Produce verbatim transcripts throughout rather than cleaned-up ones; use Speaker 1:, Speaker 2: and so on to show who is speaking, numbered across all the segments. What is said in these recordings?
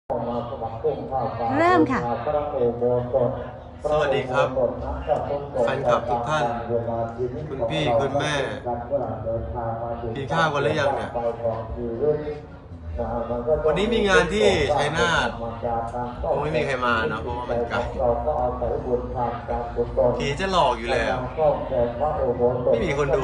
Speaker 1: เริ่มค่ะ
Speaker 2: สวัสดีครับแฟนคลับทุกท่านคุณพี่คุณแม่กินข้าวกันหรือยังเนี่ยวันนี้มีงานที่ชัยนาทคงไม่มีใครมาเนาะเพราะว่ามันไกลผีจะหลอกอยู่แล้วไม่มีคนดู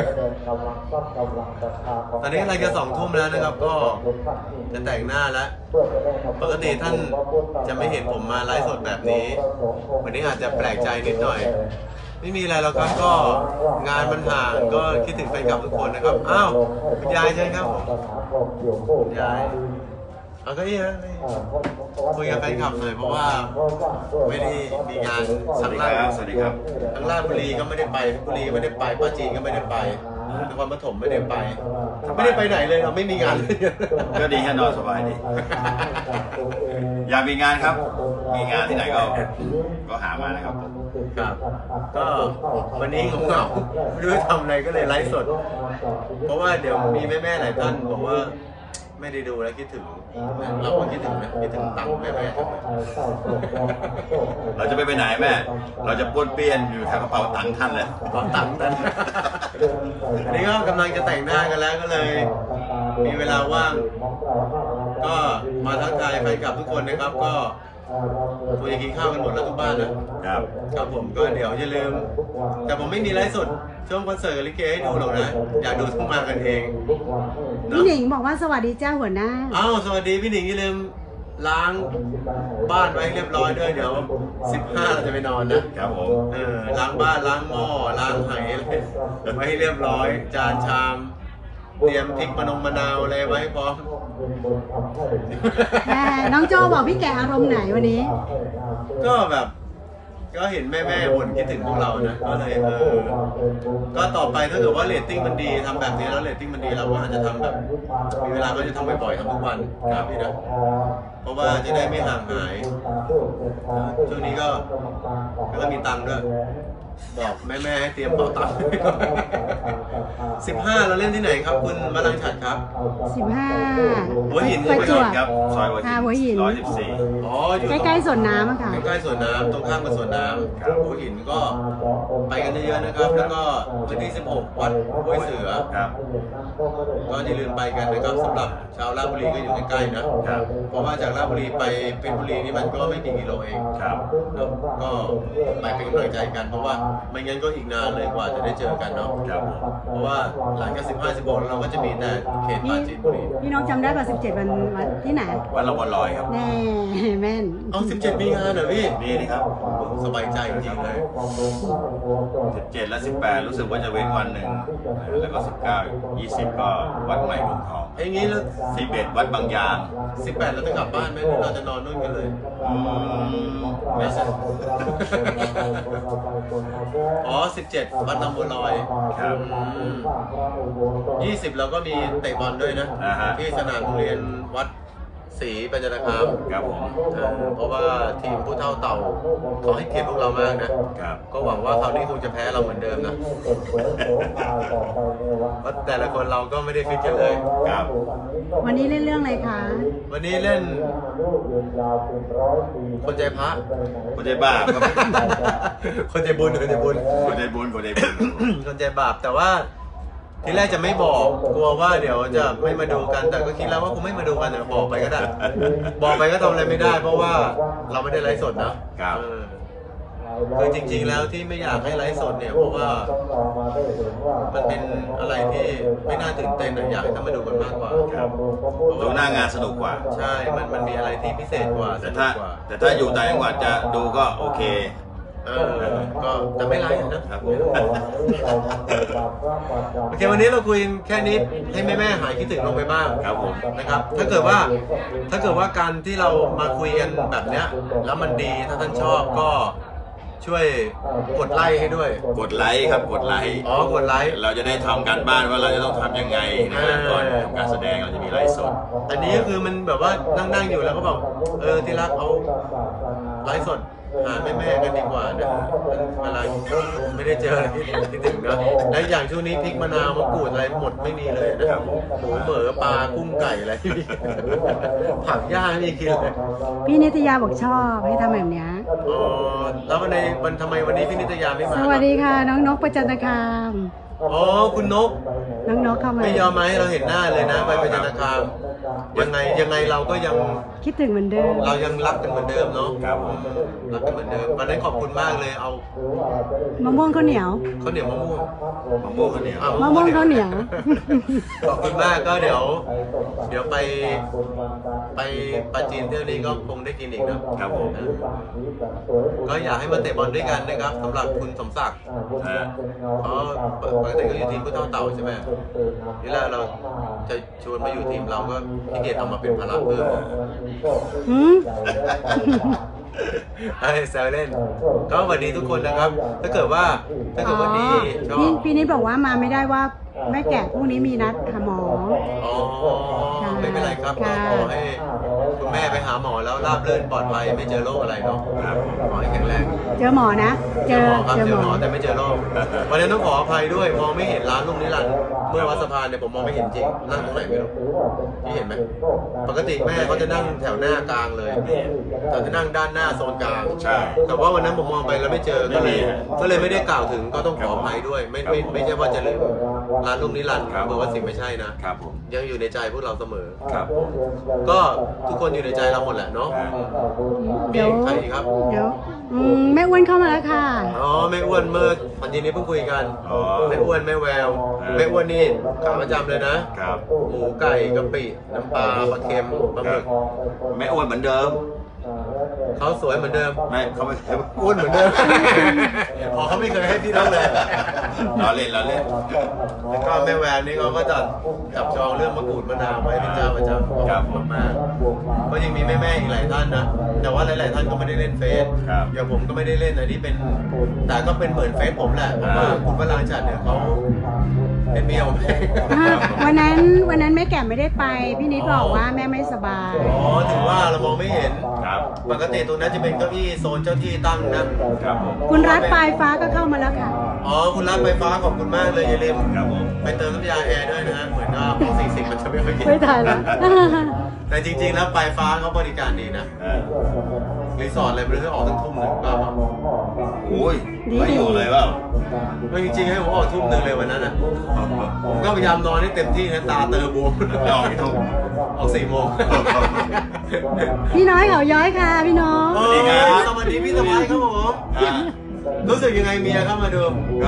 Speaker 2: ตอนนี้อะไรจะสองทุ่มแล้วนะครับก็จะแต่งหน้าแล้วปกติท่านจะไม่เห็นผมมาไลฟ์สดแบบนี้วันนี้อาจจะแปลกใจนิดหน่อยไม่มีอะไรแล้วครับก็งานมันห่างก็คิดถึงแฟนคลับทุกคนนะครับอ้าวคุณยายใช่ครับผมยายเอาก็นี่นะคุยกับแฟนคลับหน่อยเพราะว่าไม่ได้มีงานสังลาสวัสดีครับทั้งราชบุรีก็ไม่ได้ไปบุรีไม่ได้ไปป้าจีนก็ไม่ได้ไปนครปฐมไม่ได้ไปไม่ได้ไปไหนเลยครับไม่มีงานเลย
Speaker 3: ก็ดีแค่นอนสบายดีอยากมีงานครับมีงานที่ไหนก็ก็หามานะครับ
Speaker 2: ครับก็วันนี้ผมเหงาไม่รู้จะทำอะไรก็เลยไลฟ์สดเพราะว่าเดี๋ยวมีแม่ๆหลายท่านบอกว่าไม่ได้ดูแล้วคิดถึงเราก็คิดถึงนะคิดถึงตังค์แม่
Speaker 3: ๆเราจะไปไปไหนแม่เราจะป้วนเปี้ยนอยู่แถวกระเป๋าตังค์ท่านเลย
Speaker 2: กระเป๋าตังค์ท่านอันนี้ก็กำลังจะแต่งหน้ากันแล้วก็เลยมีเวลาว่างก็มาทักทายแฟนคลับทุกคนนะครับก็คุยกินข้าวกันหมดแล้วทุกบ้านนะครับครับผมก็เดี๋ยวอย่าลืมแต่ผมไม่มีไลฟ์สดช่วงคอนเสิร์ตลิเกให้ดูหรอกนะอยากดูทุกมากันเอง
Speaker 1: พี่หนิงบอกว่าสวัสดีเจ้าหัวหน้า
Speaker 2: อ้าวสวัสดีพี่หนิงอย่าลืมล้างบ้านไว้เรียบร้อยด้วยเดี๋ยวสิบห้าเราจะไปนอน
Speaker 3: นะครับผม
Speaker 2: เออล้างบ้านล้างหม้อล้างไหอะไรไว้ให้เรียบร้อยจานชามเตรียมพริกมะนงมะนาวอะไรไว้พร้อม
Speaker 1: น้องโจบอกพี่แกอารมณ์ไหนวันนี้
Speaker 2: ก็แบบก็เห็นแม่แม่บ่นคิดถึงพวกเรานะก็เลยเออก็ต่อไปถ้าเกิดว่าเรตติ้งมันดีทำแบบนี้แล้วเรตติ้งมันดีเราก็อาจจะทำแบบมีเวลาก็จะทำบ่อยๆทำทุกวันครับพี่นะเพราะว่าจะได้ไม่ห่างหายช่วงนี้ก็ก็มีตังค์ด้วยบอกแม่แม่ให้เตรียมเป๋าตังค์สิบห้าเราเล่นที่ไหนครับคุณมาลังฉัดครับ
Speaker 1: สิบห้า
Speaker 2: หัวหิน
Speaker 1: ใช่ไหม
Speaker 3: ครับซอยหัวหินร้อยสิบสี่
Speaker 2: อ๋ออยู่
Speaker 1: ใกล้ๆสวนน้ำอะค่ะ
Speaker 2: ใกล้ๆสวนน้ำตรงข้ามกับสวนน้ำหัวหินก็ไปกันเยอะๆนะครับแล้วก็วันที่สิบหกวัดห้วยเสือก็อย่าลืมไปกันนะครับสำหรับชาวราชบุรีก็อยู่ใกล้ๆนะเพราะว่าจากราชบุรีไปเพชรบุรีนี่มันก็ไม่กี่กิโลเองก็ไปเป็นกำลังใจกันเพราะว่าไม่งั้นก็อีกนานเลยกว่าจะได้เจอกันเนาะเพราะว่าหลังจากสิบห้า สิบหกเราก็จะมีแต่เขตปราจีนบุรี
Speaker 1: พี่น้องจำได้ป่ะสิบเจ็ดวันวันที่ไหน
Speaker 3: วันละวันลอยครับ
Speaker 1: แน่แม่น
Speaker 2: เอาสิบเจ็ดมีงานเหรอพี่
Speaker 3: มีนี่ครับ
Speaker 2: สบายใจจริงเลย
Speaker 3: สิบเจ็ดและสิบแปดรู้สึกว่าจะเว้นวันหนึ่งแล้วก็สิบเก้า ยี่สิบก็วัดใหม่กรุงทอง
Speaker 2: ไอ้งี้แล้ว
Speaker 3: สิบเอ็ดวัดบางยาง
Speaker 2: สิบแปดเราจะกลับบ้านไหมเราจะนอนนู่นกันเลยไม่ใช่อ๋อสิบเจ็ดวัดลำบัวลอย
Speaker 3: ครับ
Speaker 2: ยี่สิบเราก็มีเตะบอลด้วยนะที่สนามโรงเรียนวัดศรีปัญญาคาม
Speaker 3: ครับผม
Speaker 2: เพราะว่าทีมผู้เท่าเต่าเขาให้เกียรติพวกเรามากนะครับก็หวังว่าคราวนี้คงจะแพ้เราเหมือนเดิมนะเพราะแต่ละคนเราก็ไม่ได้ฟิตกันเลย
Speaker 3: ครับ
Speaker 1: วันนี้เล่นเรื่องอะไรคะ
Speaker 2: วันนี้เล่นคนใจพระ
Speaker 3: คนใจบาป
Speaker 2: คนใจบุญคนใจบุญ
Speaker 3: คนใจบุญคนใจบุญ
Speaker 2: คนใจบาปแต่ว่าทีแรกจะไม่บอกกลัวว่าเดี๋ยวจะไม่มาดูกันแต่ก็คิดแล้วว่าคงไม่มาดูกันแต่บอกไปก็ได้บอกไปก็ทำอะไรไม่ได้เพราะว่าเราไม่ได้ไลฟ์สดนะครับคือจริงๆแล้วที่ไม่อยากให้ไลฟ์สดเนี่ยเพราะว่ามันเป็นอะไรที่ไม่น่าตื่นเต้นอยากให้ท่านมาดูกันมากกว่า
Speaker 3: ดูหน้างานสนุกกว่า
Speaker 2: ใช่มันมันมีอะไรที่พิเศษกว่า
Speaker 3: แต่ถ้าแต่ถ้าอยู่ต่างจังหวัดจะดูก็โอเค
Speaker 2: เออก็แต่ไม่ไลฟ์นะครับโอเควันนี้เราคุยแค่นี้ให้แม่แม่หายคิดถึงลงไปบ้าง
Speaker 3: ครับผม
Speaker 2: นะครับถ้าเกิดว่าถ้าเกิดว่าการที่เรามาคุยกันแบบเนี้ยแล้วมันดีถ้าท่านชอบก็ช่วยกดไลค์ให้ด้วย
Speaker 3: กดไลค์ครับกดไลค์
Speaker 2: อ๋อกดไลค์
Speaker 3: เราจะได้ทำการบ้านว่าเราจะต้องทำยังไงนะก่อนทำการแสดงเราจะมีไลฟ์สด
Speaker 2: อันนี้ก็คือมันแบบว่านั่งๆอยู่แล้วก็บอกเออที่รักเอาไลฟ์สดหาแม่แม่ๆกันดีกว่านะเวลาไม่ได้เจออะไรที่ที่ถึงนะและอย่างช่วงนี้พริกมะนาวมะกรูดอะไรหมดไม่มีเลยนะครับหมูเหมือปลากุ้งไก่อะไรไม่มีผักย่างไม่มีกินเลย
Speaker 1: พี่นิตยาบอกชอบให้ทำแบบเนี้ย
Speaker 2: อ๋อแล้ววันในวันทำไมวันนี้พี่นิตยาไม่มา
Speaker 1: สวัสดีค่ะ น้องนกประจันตคาม
Speaker 2: อ๋อคุณนก
Speaker 1: น้องนกเข้ามา
Speaker 2: ไม่ยอมมาให้เราเห็นหน้าเลยนะไปไปธนาคารยังไงยังไงเราก็ยัง
Speaker 1: คิดถึงเหมือนเดิม
Speaker 2: เรายังรักกันเหมือนเดิมเนาะ
Speaker 3: ครับผม
Speaker 2: รักกันเหมือนเดิมวันนั้นขอบคุณมากเลยเอา
Speaker 1: มะม่วงข้าวเหนียว
Speaker 2: ข้าวเหนียวมะม่วง
Speaker 3: มะม่วงข้าวเหนียว
Speaker 2: อ่
Speaker 1: มะม่วงข้าวเหนียว
Speaker 2: ขอบคุณมากก็เดี๋ยว เดี๋ยวไปไปปาจีนเที่ยวนี้ก็คงได้กินอีกนะครับ
Speaker 3: ผม
Speaker 2: ก็อยากให้มาเตะบอลด้วยกันนะครับสำหรับคุณสมศักดิ์
Speaker 3: นะ
Speaker 2: เพราะปกติก็อยู่ทีมผู้เท่าเต่าใช่ไหมทีแรกเราจะชวนมาอยู่ทีมเราก็ขี้เกียจเอามาเป็นภาระเพิ่ม
Speaker 1: หืม
Speaker 2: ไอ้แซวเล่น ก็สวัสดีทุกคนนะครับ ถ้าเกิดว่าถ้าเกิดวันนี้ชอ
Speaker 1: พี่
Speaker 2: บ
Speaker 1: พี่นิดบอกว่ามาไม่ได้ว่าแม่แกะพรุ่งนี้มีนัดหาหมอ
Speaker 2: อ๋อไม่เป็นไรครับก็
Speaker 1: ค่ะ
Speaker 2: ขอให้คุณแม่ไปหาหมอแล้วราบรื่นปลอดภัยไม่เจอโรคอะไรเนาะขอให้แข็งแรง
Speaker 1: เจอหมอนะ เจอ
Speaker 2: หมอครับ
Speaker 1: เจอ
Speaker 2: เจ
Speaker 1: ห
Speaker 2: อ
Speaker 1: ม
Speaker 2: หม
Speaker 1: อ
Speaker 2: อแต่ไม่เจอโรควันนี้ต้องขออภัยด้วยมองไม่เห็นร้านลุงนิรันดร์เมื่อวัดสะพานเนี่ยผมมองไม่เห็นจริงนั่งตรงไหนไม่รู้พี่เห็นไหมปกติแม่เขาจะนั่งแถวหน้ากลางเลยแต่จะนั่งด้านหน้าโซนกลาง
Speaker 3: ใช่
Speaker 2: แต่ว่าวันนั้นผมมองไปแล้วไม่เจอก็เลย
Speaker 3: ไม่มี
Speaker 2: ก็เลยไม่ได้กล่าวถึงก็ต้องขออภัยด้วย ไม่ไม่ไม่ใช่ว่าจะลืมร้านลุงนิรันดร์
Speaker 3: ครับ
Speaker 2: เบอร์ว่าสิ่งไม่ใช่นะครับ
Speaker 3: ผม
Speaker 2: ยังอยู่ในใจพวกเราเสมอ
Speaker 3: ครับผม
Speaker 2: ก็ทุกคนอยู่ในใจเราหมดแหละเนาะมี
Speaker 1: เดี๋ยว
Speaker 2: ใครอีกครับ
Speaker 1: เดี๋ยวอืมแม่อ้วนเข้ามาแล้วค่ะ
Speaker 2: อ๋อแม่อ้วนเมื่อวันนี้เพิ่งคุยกัน
Speaker 3: อ๋อ
Speaker 2: แม่อ้วนแม่แววแม่อ้วนนี่ขาประจำเลยนะ
Speaker 3: ครับ
Speaker 2: หมูไก่กะปิน้ำปลาปลาเค็มปลาหมึก
Speaker 3: แม่อ้วนเหมือนเดิม
Speaker 2: เขาสวยเหมือนเดิม
Speaker 3: ไม่เขาไม่เคย
Speaker 2: อ้วนเหมือนเดิม อ๋อเขาไม่เคยให้พี่น้องเลย
Speaker 3: ล้อเล่นล้อเล่น
Speaker 2: แล้วก็แม่แววนี่เขาก็จัดจับจองเรื่องมะกรูดมะนาวไว้เป็นเจ้าประจำ
Speaker 3: ครับ
Speaker 2: ขอบคุณมากก็ยังมีแม่ๆอีกหลายท่านนะ แต่ว่าหลายๆท่านก็ไม่ได้เล่นเฟซ
Speaker 3: ครับ
Speaker 2: อย่างผมก็ไม่ได้เล่นอันนี้เป็น แต่ก็เป็นเหมือนเฟซผมแหละ เพราะว่าคุณพระรางจัดเนี่ยเขาเป็นเมียผม
Speaker 1: อ่ะวันนั้นวันนั้นแม่แก่ไม่ได้ไป พี่นิดบอกว่าแม่ไม่สบาย
Speaker 2: อ๋อถึงว่าเรามองไม่เห็น
Speaker 3: ครับ
Speaker 2: ปกติตรงนั้นจะเป็นเก้าอี้โซนเจ้าที่ตั้งนะ
Speaker 3: ครับผม
Speaker 1: คุณรัฐปลายฟ้าก็เข้ามาแล้วค่ะ
Speaker 2: อ๋อคุณรัฐไฟฟ้าขอบคุณมากเลยอย่าลืม
Speaker 3: ครับผม
Speaker 2: ไปเติมน้ำยาแอร์ด้วยนะฮะเหมือนว่าพอสี่สิบมันจะไม่ค่อยกิน
Speaker 1: ไม่ทันแล้ว
Speaker 2: แต่จริงๆแล้วไฟฟ้าเขาบริการดีนะ
Speaker 3: เออ
Speaker 2: รีสอร์ทอะไรไม่รู้ให้ออกตั้งทุ่มหนึ่งก็
Speaker 3: โอ้ยไม่อยู่เลยเปล่า
Speaker 2: ไม่จริงๆให้ผมออกทุ่มหนึ่งเลยวันนั้นอ่ะผมก็พยายามนอนให้เต็มที่นะตาเตอบวม
Speaker 3: ไม่ออกกี่ทุ่ม
Speaker 2: ออกสี่โมง
Speaker 1: พี่น้อยเขาย้อยค่ะ พี่น้อง
Speaker 2: เออสวัสดีพี่สมัยครับผม
Speaker 3: อ่า
Speaker 2: รู้สึกยังไงเมียเข้ามาดู
Speaker 3: ก็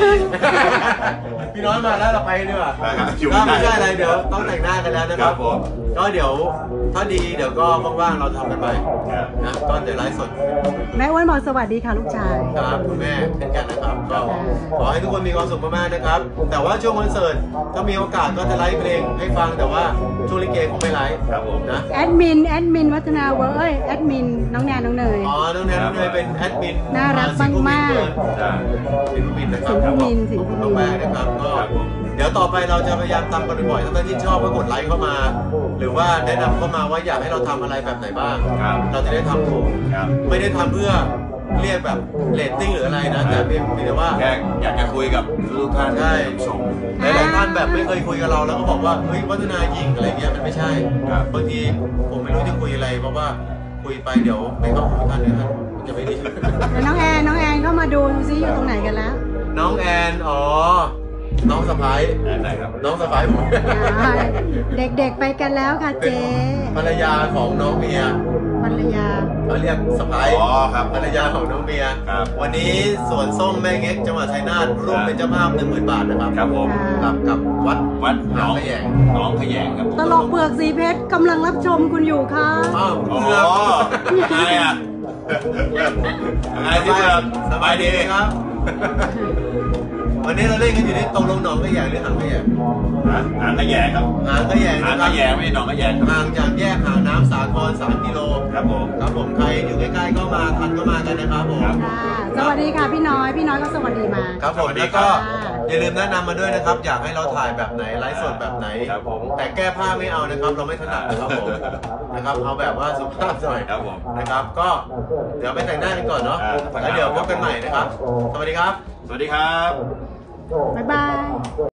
Speaker 2: พี่น้อยมาแล้วเราไปดีกว่า
Speaker 3: ไปครับอยู่
Speaker 2: ก็
Speaker 3: ไม่
Speaker 2: ไม่
Speaker 3: ได้
Speaker 2: ใช่อะไรเดี๋ยวต้องแต่งหน้ากันแล้วนะครับ
Speaker 3: ครับผม
Speaker 2: ก็เดี๋ยวถ้าดีเดี๋ยวก็ว่างๆเราทำกันใหม่
Speaker 3: ครับ
Speaker 2: นะก็เดี๋ยวไลฟ์สด
Speaker 1: แม่อ้วนบอกสวัสดีค่ะลูกชาย
Speaker 2: ครับคุณแม่เช่นกันนะครับก็ขอให้ทุกคนมีความสุขมากๆนะครับ แต่ว่าช่วงคอนเสิร์ตถ้ามีโอกาสก็จะไลฟ์เพลงให้ฟังแต่ว่าช่วงลิเกคงไม่ไลฟ์
Speaker 3: ครับผม
Speaker 2: นะ
Speaker 1: แอดมิน แอดมินวัฒนาเวอร์เอ้ย แอดมิน น้องแนนน้องเนย
Speaker 2: อ๋อน้องแนนน้องเนยเป็นแอดมิน
Speaker 1: น่ารักมากๆ
Speaker 3: จ้า
Speaker 2: สิงห์มินนะครับ
Speaker 1: สิงห์มินสิงห์
Speaker 2: ขอบ
Speaker 1: มิน
Speaker 2: คุณมากๆนะครับก็
Speaker 3: ครับผม
Speaker 2: เดี๋ยวต่อไปเราจะพยายามทำกันบ่อยๆถ้าท่านที่ชอบก็กดไลค์เข้ามา หรือว่าแนะนำเข้ามาว่าอยากให้เราทำอะไรแบบไหนบ้าง
Speaker 3: ครับ
Speaker 2: เราจะได้ทำถูก
Speaker 3: ครับ
Speaker 2: ไม่ได้ทำเพื่อเรียกแบบเรตติ้งหรืออะไรนะ แต่เพียงเพียงแต่ว่า
Speaker 3: แค่อยากจะคุยกับทุกท่าน
Speaker 2: ใช่
Speaker 3: ชม
Speaker 2: หลายๆท่านแบบไม่เคยคุยกับเราแล้วก็บอกว่าเฮ้ยวัฒนายิงอะไรเงี้ยมันไม่ใช่
Speaker 3: ครับ
Speaker 2: บางทีผมไม่รู้จะคุยอะไรเพราะว่าคุยไปเดี๋ยวไม่เข้าหูท่านเนี่ยท่านจะไม่ดี
Speaker 1: แล้วน้องแอน น้องแอนเข้ามาดูซิอยู่ตรงไหนกันแล้ว
Speaker 2: น้องแอนอ๋อน้องสะพ้าย
Speaker 3: อันไหนครับ
Speaker 2: น้องสะพ้ายผม
Speaker 1: เด็กๆไปกันแล้วค่ะ
Speaker 2: เป็น
Speaker 1: เจ๊
Speaker 2: ภรรยาของน้องเมีย
Speaker 1: ภรรยา
Speaker 2: เขาเรียกสะพ้าย
Speaker 3: อ๋อครับ
Speaker 2: ภรรยาของน้องเมีย
Speaker 3: ครับ
Speaker 2: วันนี้สวนส้มแม่เง็กจังหวัดชัยนาทร่วมเป็นเจ้าภาพหนึ่งหมื่นบาทนะครับ
Speaker 3: ครับผม
Speaker 2: กับกับวัด
Speaker 3: วัดหนอง
Speaker 2: ขยง
Speaker 3: หนองขยงครับผม
Speaker 1: ตลกเปลือกสีเพชรกำลังรับชมคุณอยู่ค่ะ
Speaker 2: อ้าว
Speaker 3: อ๋อ
Speaker 2: เพื่อน
Speaker 3: อะไรอ่ะอะไรที่เพื่อนสบายดี
Speaker 2: ครับ วันนี้เราเล่นกันอยู่ที่ตรงลงหนองขยงหรือหางขยง
Speaker 3: หาหางขยงครับ
Speaker 2: หางขยง
Speaker 3: หาง
Speaker 2: นะค
Speaker 3: ข
Speaker 2: รับ
Speaker 3: ยงไม่ใช่หนองขยงครับ
Speaker 2: ห่างจากแยกหางน้ำสาครสามกิโล
Speaker 3: ครับผม
Speaker 2: ครับผมใครอยู่ใกล้ๆก็มาทันก็มากันนะครับผม
Speaker 3: ครับ
Speaker 1: ค่ะ สวัสดีค่ะพี่น้อย พี่น้อยก็สวัสดีมา
Speaker 2: ครับผม
Speaker 3: สวัสดี
Speaker 2: แล้ว
Speaker 3: ครั
Speaker 2: ก็
Speaker 3: บ
Speaker 2: อย่าลืมแนะนำมาด้วยนะครับ อยากให้เราถ่ายแบบไหนไลฟ์สดแบบไหน
Speaker 3: ครับผม
Speaker 2: แต่แก้ผ้าไม่เอานะครับ เราไม่ถนัดนะครับผมนะครับเอาแบบว่าสุภาพหน่อย
Speaker 3: ครับผม
Speaker 2: นะครับ ก็เดี๋ยวไปแต่งหน้ากันก่อนเนาะ
Speaker 3: อ่า
Speaker 2: แล้วเดี๋ยวพบกันใหม่นะครับ สวัสดีครับ
Speaker 3: สวัสดีครับ
Speaker 1: บ๊ายบาย